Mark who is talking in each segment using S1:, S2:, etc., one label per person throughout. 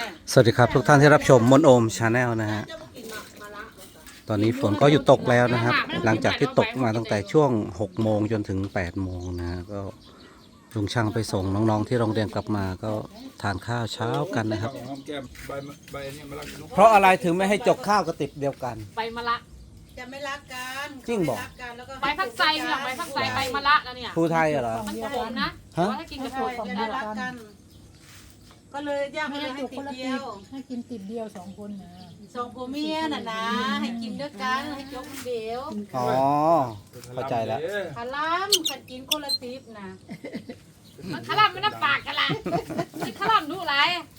S1: สวัสดีครับทุกท่านที่รับชมมนโอมชาแนลนะฮะตอนนี้ฝนก็หยุดตกแล้วนะครับ หลังจากที่ตกมาตั้งแต่ช่วง6 โมงจนถึง8 โมงนะฮะก็ลุงช่างไปส่งน้องๆที่โรงเรียนกลับมาก็ทานข้าวเช้ากันนะครับ เพราะอะไรถึงไม่ให้จกข้าวกระติบเดียวกัน
S2: ใบมะละ
S3: จะไม่รักกัน
S1: จริงบอก
S3: เขาไม่กกันแล้วก็
S2: ใบพักไซเนี่ยใบพักไซใบมะละแล้วเนี่ย
S1: ภูไทยเหรอ
S2: มันขมนะ
S1: ฮะ
S2: แต่ว่าถ้ากินกับ
S3: ใช่
S2: ถั่ว
S3: จะได้รักกัน ก็เลยย่าง
S4: ให้
S3: ให้ให้
S4: จุก
S3: ติ
S4: คน
S3: ด
S4: ละ
S3: เดี
S4: ติ
S3: ย
S4: บ
S3: ว
S4: ให้กินติดเดียว2 คนนะ
S3: สองผัวเมียน่ะนะให้กินด้วยกันให้ยกคนเดียว
S1: อ๋อเข้าใจแล้ว
S3: ขาล้ำขันกินคนละติบนะ
S2: มันขลับมันน้ำปากกันละมันขลับดูไร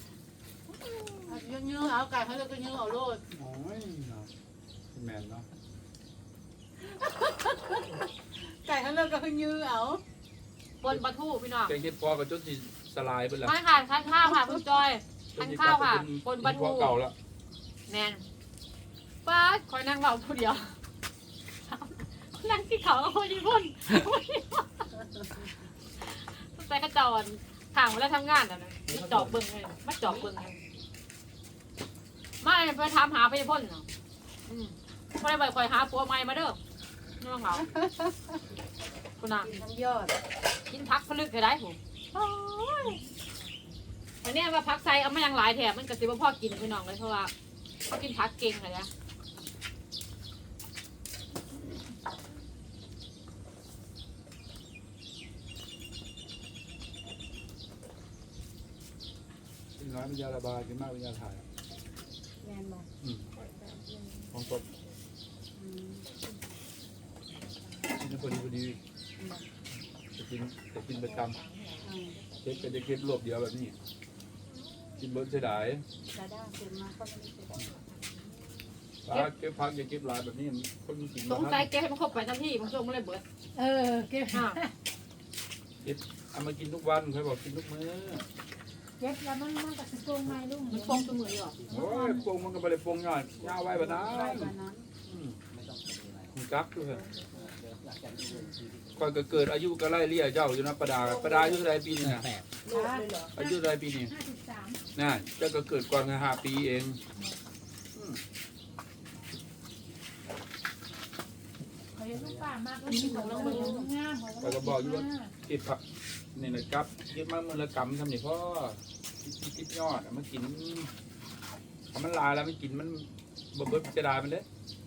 S3: ยื้อเอาไก่เขาเลยก็ยื้อเอาโลด
S5: โอ้ยแมนเนาะ
S3: ไก่เขาเลยก็ยื้อเอา
S2: บนปลาทูพี่น้อง
S5: แกงเห็ดพอกับจนสิสลายไปแล้ว
S2: ไม่ค่ะทานข้าวค่ะคุณจอยทานข้าวค่ะบนปลาทู
S5: เก่าแล้ว
S2: แมนป้าคอยนั่งเบาผู้เดียวนั่งที่เขาก็คนญี่ปุ่นแต่กระจอนห่างเวลาทำงานอ่ะนะมาจอบเบิ้งเลยมาจอบเบิ้งเลยมาไปทำหาไปพ่นเนาะพอได้ไปคอยหาผัวใหม่มาเด้อนี่ว่าเหงาคุณน่ะ
S3: น้ำยอด
S2: กินพักพลึกก็ได้ผมอันนี้ว่าพักไซเอามายังหลายแถบมันกระติบพ่อกินพี่น้องเลยเพราะว่าเขากินพักเก่งเลยนะ
S5: กินน้อยเป็นยาระบายกินมากเป็นยาถ่าย
S3: แมนบอก
S5: ของสดกินพอดีจะกินประจำเก็บจะเก็บรวบเดียวแบบนี้กินเบิร์ดเสียดาย
S3: ดาด้าเก็บมาก็ไม่ได้เก็บ
S5: เก็บพักอย่าเก็บลายแบบนี้คนกิน
S2: สงสัยแกให้มันครบไปทันทีมันช่วงมันเลยเบิด
S4: เก็บ
S5: เก็บเอามากินทุกวันเคยบอกกินทุกมื้อ
S4: เก็บแล้วมันก็สิโกงไม้ลุง
S2: มันฟงตัวมืออยู่
S5: โอ้ยปงมันก็ไม่ได้ปงย่อยยาวไว้แบบนั้น
S3: ไว้วันนั้น
S5: คุณจักด้วยก่อนก็เกิดอายุก็ไล่เลี่ยเจ้าอยู่นะประดาอายุเท่าไรปีนี้นะอายุเท่าไรปีนี้
S4: 53
S5: น่ะเจ้าก็เกิดก่อนกัน5 ปีเอง
S4: เขาเห็นลูกป้ามากแล้วกินของเรางามของเรา
S5: เก็บผักนี่นะครับเก็บมาเมื่อละกำทำนี่พ่อคิดยอดมันกินทำมันลายแล้วมันกินมันบเบิดจะได้มันเด้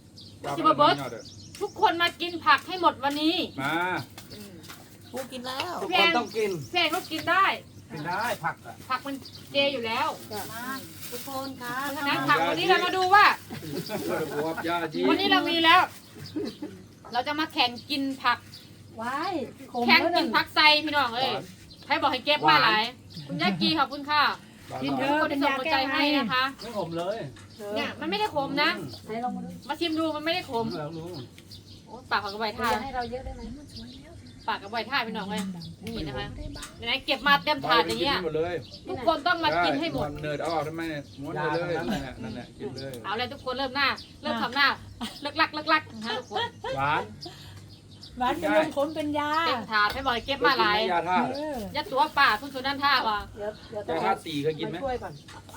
S2: ทุกคนมากินผักให้หมดวันนี้
S5: มา
S3: กูกินแล้ว
S1: ทุกคนต้องกิน
S2: แพงก็กินได้
S1: กินได้ผักอะ
S2: ผักมันเจอยู่แล้ว
S3: มาทุกคนค่ะ
S2: นะผักวันนี้เรามาดูว่า
S5: บวบยาจี
S2: วันนี้เรามีแล้ว เราจะมาแข่งกินผัก
S4: ว้ายขม
S2: แข่ง
S4: แล้ว
S2: กิ
S4: นั่
S2: น
S4: น
S2: ผักไซพี่น้องเอ้ยใครบอกให้เก็บมาหลายคุณยากีขอบคุณค่ะ
S4: กินเย
S2: ทุก
S4: อะ
S2: คน
S4: เป็น
S2: ที่ส่ง
S4: ยา
S2: หัว
S4: แก้
S2: ใจ
S4: ไอ
S2: ให้นะคะ
S1: ไม่ขมเลย
S2: เนี่ยมันไม่ได้ขมนะ
S4: ให้ลองมาดู
S2: มาชิมดูมันไม่ได้ขม
S1: แล้วรู้
S2: โอ้ปากกับใบท่า
S4: ให้เราเยอะได้ไหม
S2: ปากกับใบท่าพี่น้องเลยนี่นะคะไหนเก็บมาเต็มถาดอย่างเงี้ย
S5: หมดเลย
S2: ทุกคนต้องมากินให้หมด
S5: เนิร์ดเอาออกทำไมม้วนเลยนั่นแหละกินเลย
S2: เอาเลยทุกคนเริ่มทำหน้าเลิกลักนะคะทุกคน
S5: หวาน
S4: หวานเป็นลมขมเป็นยา
S2: เต็มถาดให้บอกให้เก็บมาหลาย
S5: ยาท่า
S2: ยัดตัวป่าทุนสุนันท่าว่ะ
S3: เดี๋ยว
S5: ยาท่าตีเคยกินไหม
S3: ช่วยก่อน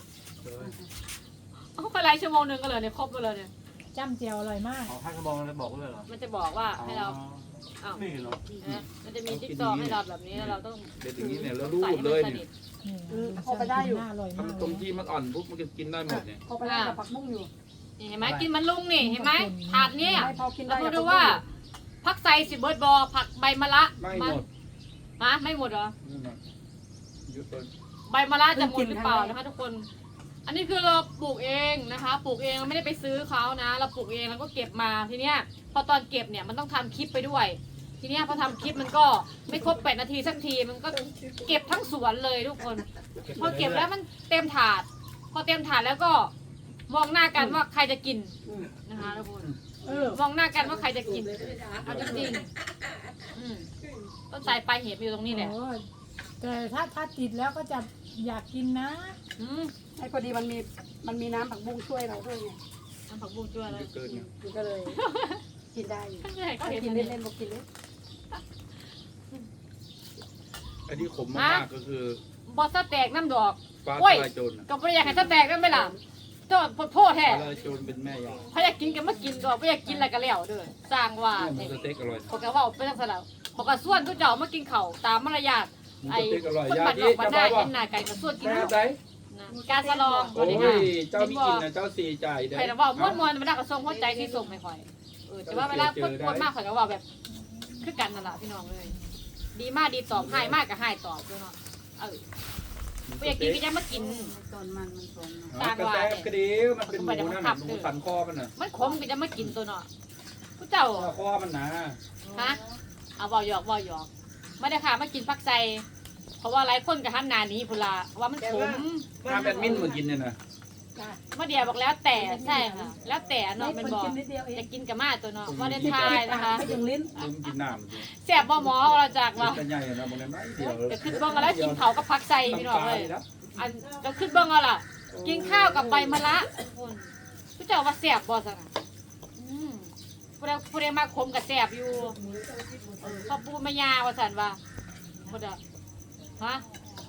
S2: เขาไปไล่ชั่วโมงหนึ่งก็เลยเนี่ยครบไปเลยเนี่ย
S4: จ้ำเจียวอร่อยมาก
S1: อ๋อท่านก็บอกเลยบอกเลยเหรอ
S2: มันจะบอกว่าให้เราอ้าว
S1: นี่เหรอ
S2: มันจะมีจิ๊กซอว์ให้เราแบบนี้แล้วเราต้อง
S5: เด็ดอย่างนี้เนี่ยแล้วรู
S2: ใส่
S5: ด
S2: ให้
S5: เล
S2: มัน
S5: ย
S2: ส
S5: เนี่
S2: นิ
S5: ย
S2: ท
S4: พอไปได้อยู่อร่อยมาก
S5: ทำตรงที่มันอ่อนปุ๊บมันก็กินได้หมดเนี่ย
S3: พอไปได้กับผักบุ้งอยู่
S2: นี่เห็นไหมกินมันลุงนี่เห็นไหมถาดเนี้ย
S3: ไม่พอกิน
S2: เรา
S3: ได้
S2: มาดูว่าผักไซสิเบิร์ดบอผักใบมะระ
S5: ไม่หมด
S2: ฮะไม่หมดเหรอ
S5: นี่มันยุดเลย
S2: ใบมะระจะหมดหรือเปล่านะคะทุกคน อันนี้คือเราปลูกเองนะคะ ปลูกเองเราไม่ได้ไปซื้อเขานะ เราปลูกเองแล้วก็เก็บมาทีเนี้ยพอตอนเก็บเนี่ยมันต้องทำคลิปไปด้วย ทีเนี้ยพอทำคลิปมันก็ไม่ครบ8 นาทีสักทีมันก็เก็บทั้งสวนเลยทุกคน พอเก็บแล้วมันเต็มถาด พอเต็มถาดแล้วก็มองหน้ากันว่าใครจะกินนะคะทุกคนมองหน้ากันว่าใครจะกินเอาจริงๆต้นสายปลายเหตุอยู่ตรงนี้แหละ
S4: โอ้ยแต่ถ้าติดแล้วก็จะอยากกินนะ
S2: อืม
S3: ไอ้พอดีมันมีน้ำผักบุ้งช่วยเราด้วยไง
S2: น้ำผักบุ้งช่วยเลย
S5: เกินเนี่ย
S3: มันก็เลยกินได้อยู่
S2: ไม่ให้เขาเห็น
S3: กิน
S2: อันนี้
S3: เล่นๆบอกกินเล่น
S5: ไอ้ที่ขมมากๆก็คือ
S2: บอสแตกน้ำดอก
S5: ฟ้า
S2: โอ้ย
S5: ทลายโจรน่ะ
S2: ก็ไม่อยากให้สแต็กกันไหมล่ะโทษโทษแท้
S5: ทลายโจรเป็นแม่ยา
S2: เขาอยากกินก็มากินก็ไม่อยากกินอะไรก็แล้วเด้อสร้างว่า
S5: หมูสเต็กอร่อย
S2: เขาก็ว่าไปทางสลับเขาก็ส่วนทุกเจ้ามากินข้าวตามมารยาท
S5: หมู
S2: ไอ้
S5: สเต็กอร่อย
S2: คน
S5: ยา
S2: บัดน
S5: ที่
S2: อกบัด
S5: จะ
S2: หน้า
S5: บอกว่า
S2: เห็นหน้าไก่ก็ส่วนกิน
S5: แม่
S2: ข้าว
S5: ใจ
S2: นะการสลอง
S5: โอ้
S2: วันนี้ค่ะ
S5: ยเจ้ามีกินนะเจ้าสีจ่ายเด้
S2: ใครจะว่าม้วนๆมันได้กระทรงหัวใจที่ส่งไม่ค่อยแต่ว่าเวลาพูดมากข่อยก็ว่าแบบคือกันนั่นแหละพี่น้องเลย ดีมากดีตอบให้มากกับให้ตอบด้วยเนาะไม่อยากกินก็จะมากิน
S3: ตอนมันสม
S5: อ๋อกระแตกระเดียวมันเป็นหมูนั่นน่ะหมูสันคอมันน่ะ
S2: มันขมก็จะมากินตัวเนาะผู้เจ้า
S5: คอมันนะ
S2: ฮะเอาบ่หยอกไม่ได้ค่ะมากินผักไซเพราะว่าหลายคนกับหันหนานี้พุ่นละว่ามันขม
S5: น้ำแบดมินมากินเนี่ยนะ
S2: เมื่อเดียวบอกแล้วแต่ใช่ค่ะแล้วแต่เนาะมันบอกจะกินกับมาตัวเนาะว่าเดนทายนะคะ
S3: ถึงลิ้น
S5: ลืมกินน้ำสิ
S2: แสบบ่หมอเราจากว่า
S5: กินใหญ่นะมันไม่เดียว
S2: จะขึ้นเบ้องแล้วกินเผากับผักไซพี่น้องเลยอันจะขึ้นเบ้องเอาล่ะ กินข้าวกับใบมะระผู้เจ้าว่าแสบบ่สักผู้ใดมาขมกับแสบอยู่เขาปูมายาว่าสันว่าผู้ใดฮะ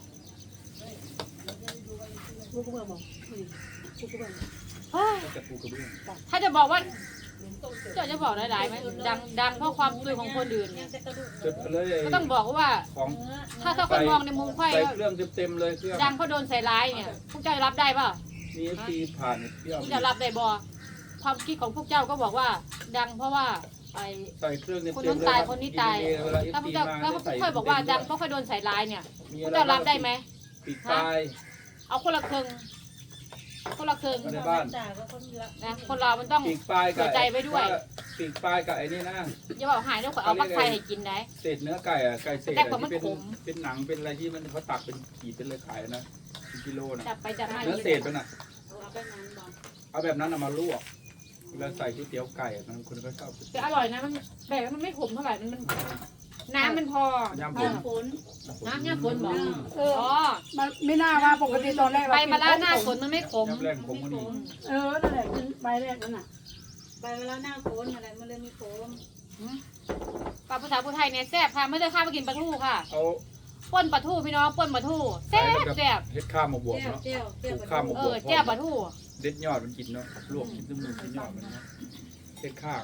S3: กูก็บอกกูก็บอก
S5: จะปูกระเบื้อง
S2: ถ้าจะบอกว่าเจ้าจะบอกหลายๆไหมดังเพราะความซวยของคนอื่นเนี่ย
S5: จุดเลย
S2: ก็ต้องบอกว่า
S5: ของ
S2: ถ้าคนมองในมุมไข่
S5: ใส่เครื่องเต็มเลยเครื่อง
S2: ดังเพราะโดนใส่ร้ายเนี่ยพวกเจ้ารับได้ป่ะ
S5: มีทีผ่านเปรี้ยว
S2: พวกเจ้ารับได้บ่ความคิดของพวกเจ้าก็บอกว่า ดังเพราะว่าไอ้
S5: ใส่เครื่องเต็ม
S2: คนนู้นตายคนนี้ตายถ้าพวกเจ้าถ้าพวกค่อยบอกว่าดังเพราะค่อยโดนใส่ร้ายเนี่ยพวกเจ้ารับได้ไหม
S5: ปีกปลาย
S2: เอาคนละครึ่งคนละครึ่ง
S5: ในบ้าน
S2: นะคนเรามันต้อง
S5: ปีกปลายกับ
S2: เสียใจไว้ด้วย
S5: ปีกปลายกับไอ้นี่นะ
S2: อย่าบอกหายด้วยขอเอาผักไทยให้กินได้
S5: เศษเนื้อไก่อะไก่เศษ
S2: แต่
S5: อะ
S2: ผมมัน
S5: ที่เป็น
S2: ขม
S5: เป็นหนังเป็นอะไรที่มันเขาตักเป็นขีดเป็นเลยขายนะเป็นกิโลนะ
S2: จับไปจับมา
S5: เนื้อเศษมันอ่ะเอาแบบนั้นมาลวกเวลาใส่ก๋วยเตี๋ยวไก่อะมันคนก็ชอบ
S2: แต่อร่อยนะมันแบบมันไม่ขมเท่าไหร่มันน้ำมันพอย
S5: ำ
S3: ฝน
S2: น้ำเนี่ยฝนบอก
S4: เออ
S2: อ๋อ
S4: มันไม่น่าว่าปกติตอนแรก
S2: ใบมะระหน้าฝนมันไม่ขม
S5: ยำแรงของมันนี่
S4: เออนั่นแหละกินใบแรกนั่นน่ะ
S3: ไปเวลาหน้าฝนอะไรมันเลยมีฝน
S2: ปลาภาษาพูไทยเนี่ยแซ่บค่ะไม่ได้ข้าวมากินปลาทูค่ะ
S5: เอา
S2: ป่นปลาทูพี่น้องป่นปลาทูแซ่บแซ่บ
S5: เฮ็ดข้าวมาบวก
S3: เจ้า
S5: เนาะ
S3: เจ้าเจ้า
S5: ข้าวมา
S2: เอบ
S5: ว
S2: อก แซ่บปลาทู
S5: เด็ดยอดมันกินเนาะลวกกินตุ้มมือกินยอดมันเนาะเฮ็ดข้าง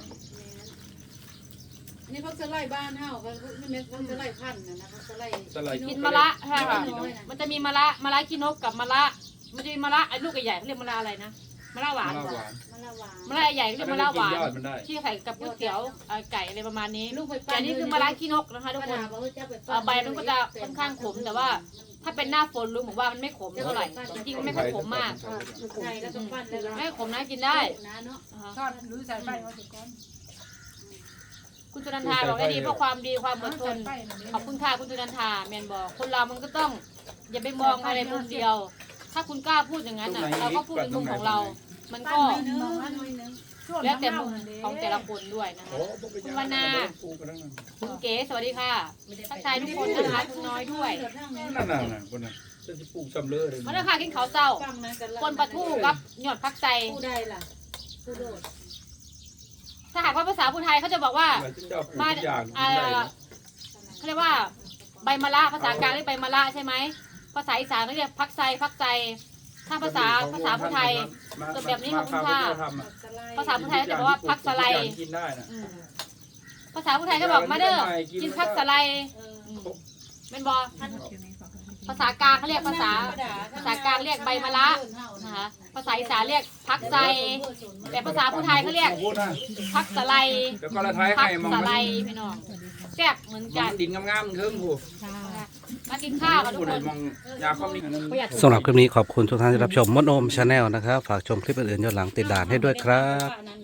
S3: นี่เขาจะไล่บ้านเฮาเขาไม่เม็ดเขาจะไล่พันนะเขาจะไล่
S5: สไลด์
S2: กินมะระใช่ค่ะมันจะมีมะระขี้นกกับมะระมันจะมีมะระไอ้ลูกใหญ่ๆเขาเรียกมะระอะไรนะมะระหวาน
S5: มะระหวาน
S3: มะละวาน
S2: มะระใหญ่เขาเรียกมะระหวาน
S5: ยอดมันได้
S2: ที่ใส่กับก๋วยเตี๋ยวไก่อะไรประมาณนี้
S3: ลูกไป
S2: แต่อันนี้คือมะระขี้นกนะคะทุกคนใบมันก็จะค่อนข้างขมแต่ว่า ถ้าเป็นหน้าฝนรู้ผมว่ามันไม่ขมเท่าไหร่จริงๆมันไม่ค่อยขมมาก
S3: ไทยแล้วก็ปั้นแล้ว
S2: ไม่ขมนะกินได้
S3: นะเนาะ
S2: นะคะ
S4: ทอดหรือใส่ไฟเอาสิก่อน
S2: คุณจุนันทาบอกได้ดีเพราะความดีความอดทน
S4: ใส่ไฟนั่นเอง
S2: ขอบคุณค่ะคุณจุนันทาแมนบอกคนเรามันก็ต้อง อย่าไปมองอะไรมุมเดียว ถ้าคุณกล้าพูดอย่างนั้นอ่ะเราก็พูดในมุมของเรา มันก็
S3: ปั้นน้อยนึง
S2: แล้วแต่มุมของแต่ละคนด้วยนะคะ
S5: โอ้บ่เป็นหยัง
S2: คุณวรรณา
S5: ปูกันนั่นน่ะ
S2: คุณเก๋สวัสดีค่ะทักทายทุกคนนะคะคุณน้อยด้วย
S5: นั่นน่ะคนน่ะจะสิปลูกซำเลอเลย
S2: มาเลยค่ะกินข้าวเช้า
S3: ฟังนะกัน
S2: คนปลาทูกับหยอดผักใส่
S3: ผู้ใดล่ะผู้โดด
S2: ถ้าหากว่าภาษาพูไทยเขาจะบอกว่า
S5: เจ้าปลูกทุกอย่างกินได้นะ
S2: เขาเรียกว่าใบมะระภาษากลางเรียกใบมะระใช่ไหมภาษาอีสานเขาเรียกผักไซถ้าภาษาพูไทย จดแบบนี้ของคุณค่ะ ภาษาพูไทยเขาจะบอกว่าผักสะไล
S5: กินได้นะ
S2: ภาษาพูไทยก็บอกมาเด้อกินผักสะไลเป็นบอภาษากลางเขาเรียกภาษากลางเรียกใบมะระนะคะภาษาอีสานเรียกผักไซแต่ภาษาพูไทยเขาเรียก
S5: พูดนะ
S2: ผักสะไล
S5: เดี๋ยวก็ละท้าย
S2: ผั
S5: ให้
S2: ก
S5: มอง
S2: สะ
S5: มัน
S2: ไลพี่น้องแซ่บเหมือนกัน
S5: ดินงามๆเทิงผู้
S2: มากินข้าวกันทุ
S5: ผู้
S2: ก
S5: ใด
S2: คน
S5: มองยาความนี้
S1: สำหรับคลิปนี้ขอบคุณทุกท่านที่รับชมมดโอมชาแนลนะครับ ฝากชมคลิปอื่นๆย้อนหลังติดด่านให้ด้วยครับ